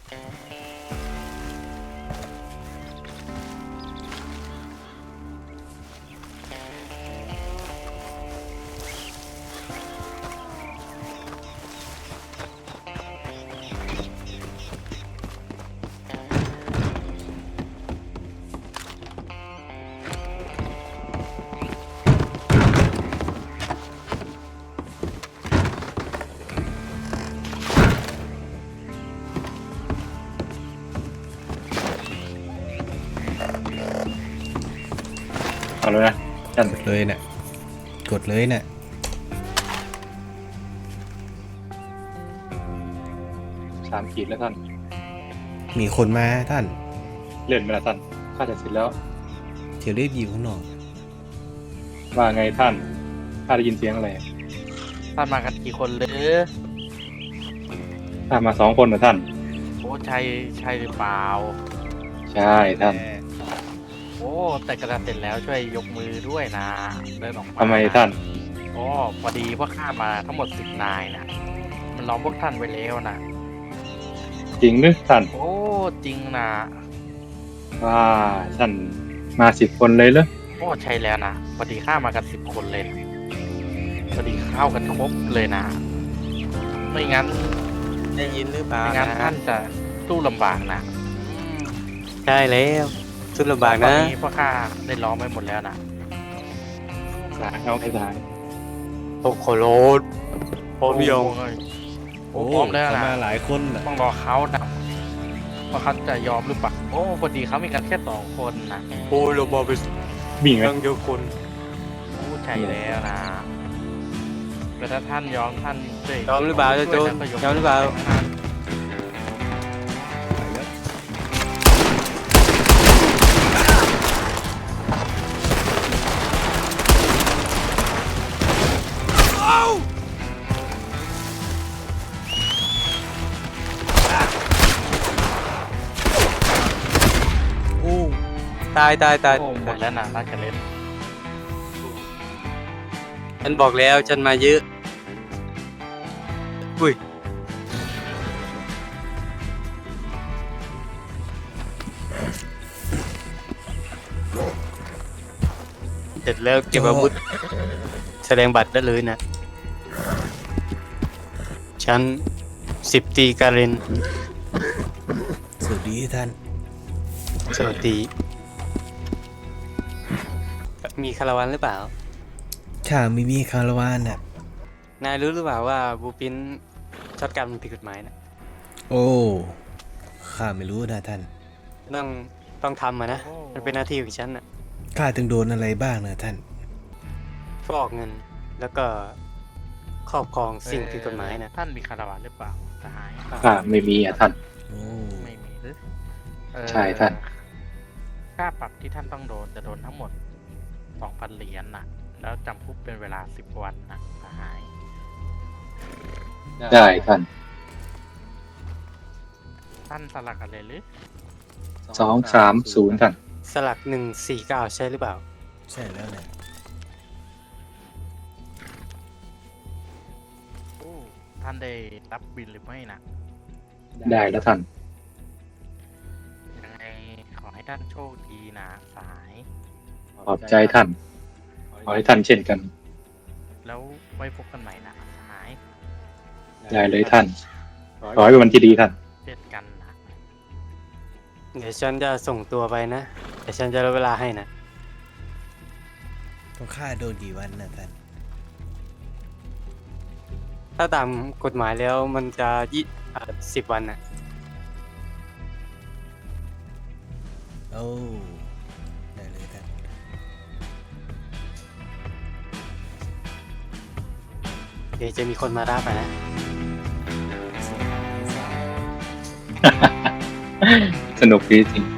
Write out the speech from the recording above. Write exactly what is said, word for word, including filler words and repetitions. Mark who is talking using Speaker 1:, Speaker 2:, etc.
Speaker 1: เอาเลยนะท่าน
Speaker 2: กดเลยเนี่ยกดเลยเนี่ย
Speaker 1: สามขีดแล้วท่าน
Speaker 2: มีคนมาท่าน
Speaker 1: เลื่อนไปแล้วท่านข้าจะเสร็จแล้ว
Speaker 2: เดี๋ยวรีบอยู่ข้างนอก
Speaker 1: ว่าไงท่านข้าได้ยินเสียงอะไร
Speaker 3: ท่านมากันกี่คนหรือ
Speaker 1: ข้ามาสองคนนะท่าน
Speaker 3: โอ้ใช่ใช่หรือเปล่า
Speaker 1: ใช่ท่าน
Speaker 3: โอ้แต่กระดาษเสร็จแล้วช่วยยกมือด้วยนะเดินออกมา
Speaker 1: ทำไมท่าน
Speaker 3: โอ้พอดีพวกข้ามาทั้งหมดสิบนายนะมันล้อมพวกท่านไว้แล้วนะ
Speaker 1: จริงหรือท่าน
Speaker 3: โอ้จริงนะ
Speaker 1: ว่าท่านมาสิบคนเลยเหรอ
Speaker 3: โอ้ใช่แล้วนะพอดีข้ามากันสิบคนเลยนะพอดีเข้ากันครบเลยนะไม่งั้น
Speaker 4: ได้ยินหรือเปล่า
Speaker 3: ไม่งั้น
Speaker 4: นะ
Speaker 3: ท่านจะสู้ลำบากนะอืม
Speaker 4: ใช่แล้วสุดลำบาก
Speaker 3: ตอน
Speaker 4: นะ
Speaker 3: นี้พวกข้าได้ล้อมไว้หมดแล้วนะ
Speaker 1: สายเอาให้สาย
Speaker 4: โอ้โหโลดพร้อมยัง
Speaker 3: โอ้ยโอ้พร้อมแล้ว
Speaker 2: เขา
Speaker 3: นะ
Speaker 2: มาหลายคนน่ะ
Speaker 3: ต้องรอเขานะว่าเขาจะยอมหรือเปล่าโอ้พอดีเขามีกันแค่สองคนนะ
Speaker 4: โอ้เราบอกไป
Speaker 1: วิ่งไหม
Speaker 4: ตั้งเยอะคน
Speaker 3: โอ้ใช่แล้วนะแต่ถ้าท่านยอมท่านช่วย
Speaker 4: ยอมหรือเปล่าเจ้าโจร
Speaker 3: ช่วย
Speaker 4: ยอมหรือเปล่า
Speaker 2: โอ้
Speaker 4: ตายตายตาย
Speaker 3: โอ้หมดแล้วนะราชเล่น
Speaker 4: ฉันบอกแล้วฉันมาเยอะอุ้ยเสร็จแล้วเก็บอาวุธแสดงบัตรได้เลยนะฉันสิบตีการิน
Speaker 2: สวัสดีท่าน
Speaker 4: สวัสดีมีคาราวานหรือเปล่า
Speaker 2: ข้าไม่มีคาราวานน่ะ
Speaker 4: นายรู้หรือเปล่าว่าบูปินช็อตกันมันผิดกฎหมายนะ
Speaker 2: โอ้ข้าไม่รู้นะท่าน
Speaker 4: ต้องต้องทำอะนะมันเป็นหน้าที่ของฉันนะ
Speaker 2: ข้าถึงโดนอะไรบ้างนะท่าน
Speaker 4: ฟอกเงินแล้วก็ครอบครองสิ่งผิดกฎหมายนะ
Speaker 3: ท่านมีคาราวานหรือเปล่าสหาย
Speaker 1: ข้าไม่มีอ่ะท่าน
Speaker 2: โอ้
Speaker 3: ไม่มีหรือเอ่อ
Speaker 1: ใช่ท่าน
Speaker 3: ค่าปรับที่ท่านต้องโดนจะโดนทั้งหมดสองพันเหรียญนะแล้วจำคุกเป็นเวลาสิบวันนะสหาย
Speaker 1: ได้ท่าน
Speaker 3: ท่านสลักอะไรหรือ
Speaker 1: สองสามศูนย์ท่าน
Speaker 4: สลักหนึ่งสี่เก้าใช่หรือเปล่า
Speaker 2: ใช่แล้วเนี่ย
Speaker 3: โอ้ท่านได้รับบินหรือไม่นะ
Speaker 1: ได้แล้วท่าน
Speaker 3: ยังไงขอให้ท่านโชคดีนะสหาย
Speaker 1: ขอบใจท่าน ขอให้ท่านเช่นกัน
Speaker 3: แล้วไว้พบกันใหม่นะสหาย
Speaker 1: ได้เลยท่าน ขอให้เป็นวันที่ดีท่าน
Speaker 3: เจอกันนะ
Speaker 4: เดี๋ยวฉันจะส่งตัวไปนะเดี๋ยวฉันจะลดเวลาให้นะ
Speaker 2: ต้องฆ่าโดนกี่วันนะท่าน
Speaker 4: ถ้าตามกฎหมายแล้วมันจะยี่สิบวันนะ
Speaker 2: โอ้ได้เลยท่าน
Speaker 4: เดี๋ยวจะมีคนมารับอะนะ
Speaker 1: สนุกดีจริง